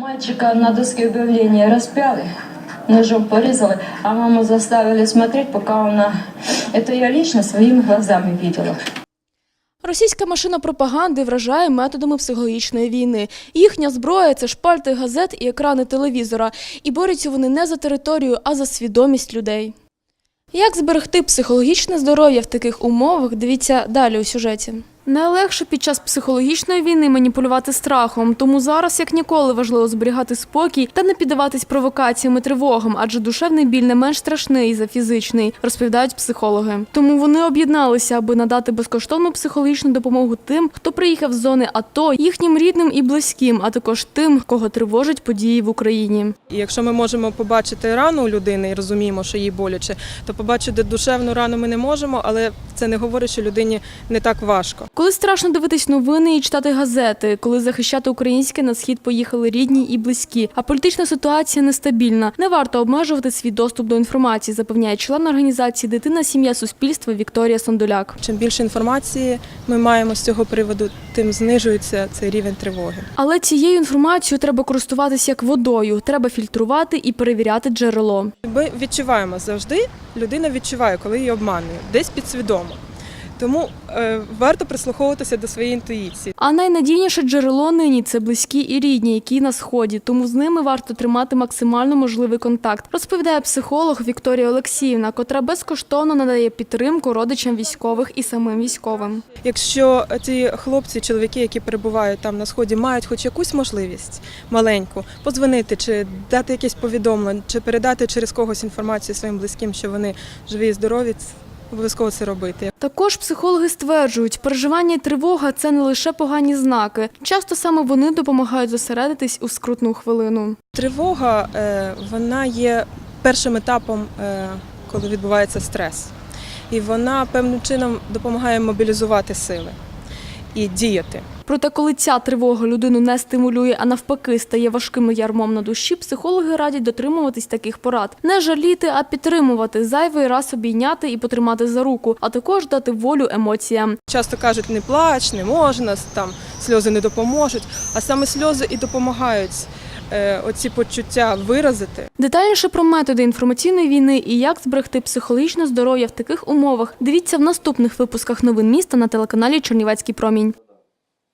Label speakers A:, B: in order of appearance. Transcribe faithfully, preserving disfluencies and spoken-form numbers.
A: Мальчика на доске объявления распяли, ножом порезали, а маму заставили смотреть, пока она... Это я лично своими глазами видела.
B: Російська машина пропаганди вражає методами психологічної війни. Їхня зброя – це шпальти газет і екрани телевізора. І борються вони не за територію, а за свідомість людей. Як зберегти психологічне здоров'я в таких умовах, дивіться далі у сюжеті. Найлегше під час психологічної війни маніпулювати страхом, тому зараз як ніколи важливо зберігати спокій та не піддаватись провокаціям і тривогам, адже душевний біль не менш страшний за фізичний, розповідають психологи. Тому вони об'єдналися, аби надати безкоштовну психологічну допомогу тим, хто приїхав з зони АТО, їхнім рідним і близьким, а також тим, кого тривожать події в Україні.
C: І якщо ми можемо побачити рану у людини і розуміємо, що їй боляче, то побачити душевну рану ми не можемо, але це не говорить, що людині не так важко.
B: Коли страшно дивитись новини і читати газети, коли захищати українське на схід поїхали рідні і близькі, а політична ситуація нестабільна, не варто обмежувати свій доступ до інформації, запевняє член організації «Дитина, сім'я, суспільство» Вікторія Сондоляк.
C: Чим більше інформації ми маємо з цього приводу, тим знижується цей рівень тривоги.
B: Але цією інформацією треба користуватися як водою, треба фільтрувати і перевіряти джерело.
C: Ми відчуваємо завжди, людина відчуває, коли її обманюють, десь підсвідомо. Тому е, варто прислуховуватися до своєї інтуїції.
B: А найнадійніше джерело нині – це близькі і рідні, які на Сході. Тому з ними варто тримати максимально можливий контакт, розповідає психолог Вікторія Олексіївна, котра безкоштовно надає підтримку родичам військових і самим військовим.
C: Якщо ті хлопці, чоловіки, які перебувають там на Сході, мають хоч якусь можливість маленьку подзвонити, чи дати якесь повідомлення, чи передати через когось інформацію своїм близьким, що вони живі і здорові, обов'язково це робити.
B: Також психологи стверджують, переживання і тривога – це не лише погані знаки. Часто саме вони допомагають зосередитись у скрутну хвилину.
C: Тривога, вона є першим етапом, коли відбувається стрес. І вона певним чином допомагає мобілізувати сили і діяти.
B: Проте, коли ця тривога людину не стимулює, а навпаки стає важким ярмом на душі, психологи радять дотримуватись таких порад. Не жаліти, а підтримувати, зайвий раз обійняти і потримати за руку, а також дати волю емоціям.
C: Часто кажуть, не плач, не можна, там сльози не допоможуть, а саме сльози і допомагають е, оці почуття виразити.
B: Детальніше про методи інформаційної війни і як зберегти психологічне здоров'я в таких умовах дивіться в наступних випусках новин міста на телеканалі «Чернівецький промінь».